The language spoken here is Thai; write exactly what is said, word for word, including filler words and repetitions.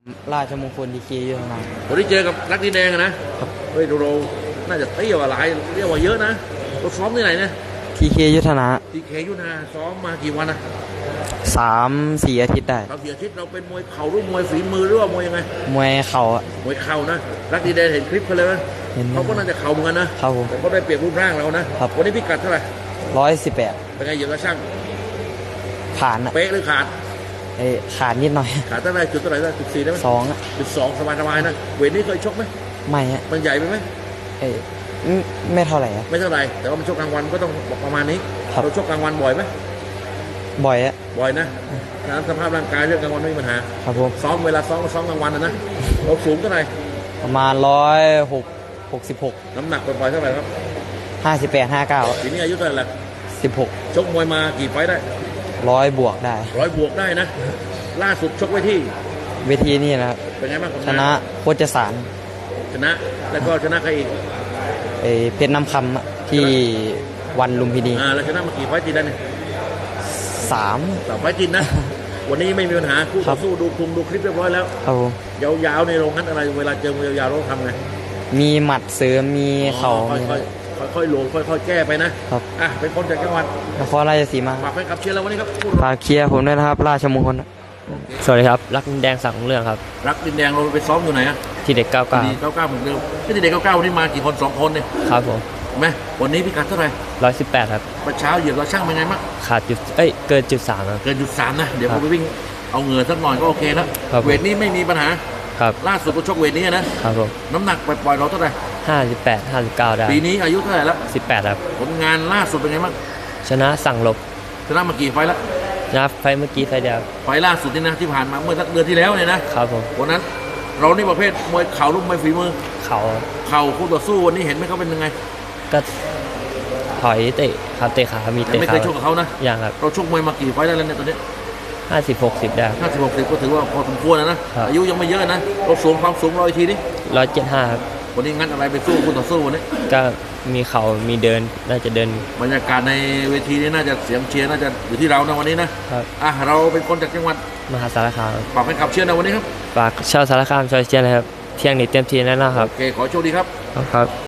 ราชมงคลดีกีอยู่นะวันนี้เจอกับรักดินแดงนะเฮ้ยเราน่าจะเตี้ยกว่าหลายเตี้ยกว่าเยอะนะเราซ้อมที่ไหนเนี่ยทีเคยุทธนะทีเคยุทธนาซ้อมมากี่วันนะสามสี่อาทิตย์ได้เราเสียอาทิตย์เราเป็นมวยเข่าหรือมวยฝีมือหรือว่ามวยยังไงมวยเข่าอะมวยเข่านะรักดินแดงเห็นคลิปเขาเลยไหมเขาก็น่าจะเข่าเหมือนกันนะครับผมแต่เขาได้เปรียบรูปร่างเรานะวันนี้พิกัดเท่าไหร่ร้อยสิบแปดเป็นไงเหยียบกระช่างผ่านอะเป๊ะหรือขาดไอ้ขาดนิดหน่อยขาดเท่าไหร่จุดเท่าไหร่ได้จุดสี่ได้ไหมสองอะจุดสองสบายสบายนะเวทนี้เคยชกไหมไม่ฮะมันใหญ่ไปไหมเอ้ไม่เท่าไหร่อะไม่เท่าไหร่แต่ว่ามันชกกลางวันก็ต้องประมาณนี้เราชกกลางวันบ่อยไหมบ่อยอะบ่อยนะน้ำสภาพร่างกายเรื่องกลางวันไม่มีปัญหาครับผมซ้อมเวลาซ้อมซ้อมกลางวันนะนะเราสูงเท่าไหร่ประมาณร้อยหกหกสิบหกน้ำหนักปล่อยๆเท่าไหร่ครับห้าสิบแปดห้าเก้าปีนี้อายุเท่าไหร่ละสิบหกชกมวยมากี่ไฟได้ร้อยบวกได้ร้อยบวกได้นะล่าสุดชกไว้ที่เวทีนี่นะครับเป็นไงบ้างชนะโคจสารชนะแล้วก็ชนะใครอีกเอเพชรน้ำคำที่วันลุมพินีอ่าแล้วชนะมากี่ไฟติดได้เนี่ยสามสามไฟติดนะวันนี้ไม่มีปัญหาคู่ต่อสู้ดูคุมดูคลิปเรียบร้อยแล้วครับผมยาวๆในโรงงั้นอะไรเวลาเจอมวยยาวๆเราทำไงมีหมัดเสริมมีเข่าค่อยๆค่อยๆโหลดค่อยๆแก้ไปนะครับอ่ะเป็นคนจากจังหวัดนครราชสีมาฝากแฟนคลับเชียร์เราวันนี้ครับฝากเชียร์ผมด้วยนะครับราชมงคลสวัสดีครับรักดินแดงสังเรื่องครับรักดินแดงเราไปซ้อมอยู่ไหนอะที่เด็กเก้าเก้าเก้าเก้าเหมือนเดิมที่เด็กเก้าเก้าวันนี้มากี่คนสองคนเนี่ยครับผมไหมวันนี้พิกัดเท่าไหร่ร้อยสิบแปดครับประเช้าเหยียบเราช่างเป็นไงมั้งขาดจุดเอ้ยเกินจุดสามครับเกินจุดสามนะเดี๋ยวผมไปวิ่งเอาเหงื่อสักหน่อยก็โอเคแล้วเวทนี้ไม่มีปัญหาครับล่าสุดก็ชกเวทนี้นะครับผมน้ำหนักปล่อยๆเราเท่าไหร่ห้าสิบแปดห้าสิบเก้าได้ปีนี้อายุเท่าไหร่แล้วสิบแปดครับผลงานล่าสุดเป็นไงบ้างชนะสั่งลบชนะมากี่ไฟแล้วชนะไฟเมื่อกี้ไฟเดียวไฟล่าสุดนี่นะที่ผ่านมาเมื่อสักเดือนที่แล้วเนี่ยนะครับผมวันนั้นเรานี่ประเภทมวยเข่าลูกมวยฝีมือเข่าเข่าคู่ต่อสู้วันนี้เห็นไหมเขาเป็นยังไงก็ถอยเตะขาเตะขามีเตะขาไม่เคยชกกับเขานะอย่างครับเราชกมวยมากี่ไฟได้แล้วเนี่ยตอนนี้ห้าสิบหกสิบได้ห้าสิบหกสิบก็ถือว่าพอสมควรนะนะอายุยังไม่เยอะนะเราสูงความสูงเราอีกทีนี้ร้อยเจ็ดห้าครับวันนี้งั้นอะไรไปสู้คู่ต่อสู้วันนี้ก็มีเข่ามีเดินน่าจะเดินบรรยากาศในเวทีนี้น่าจะเสียงเชียร์น่าจะอยู่ที่เรานะวันนี้นะครับอ่ะเราเป็นคนจากจังหวัดมหาสารคามฝากแฟนคลับเชียร์นะวันนี้ครับฝากชาวสารคามช่วยเชียร์นะครับเที่ยงนี้เต็มที่แน่นอนครับโอเคขอโชคดีครับครับ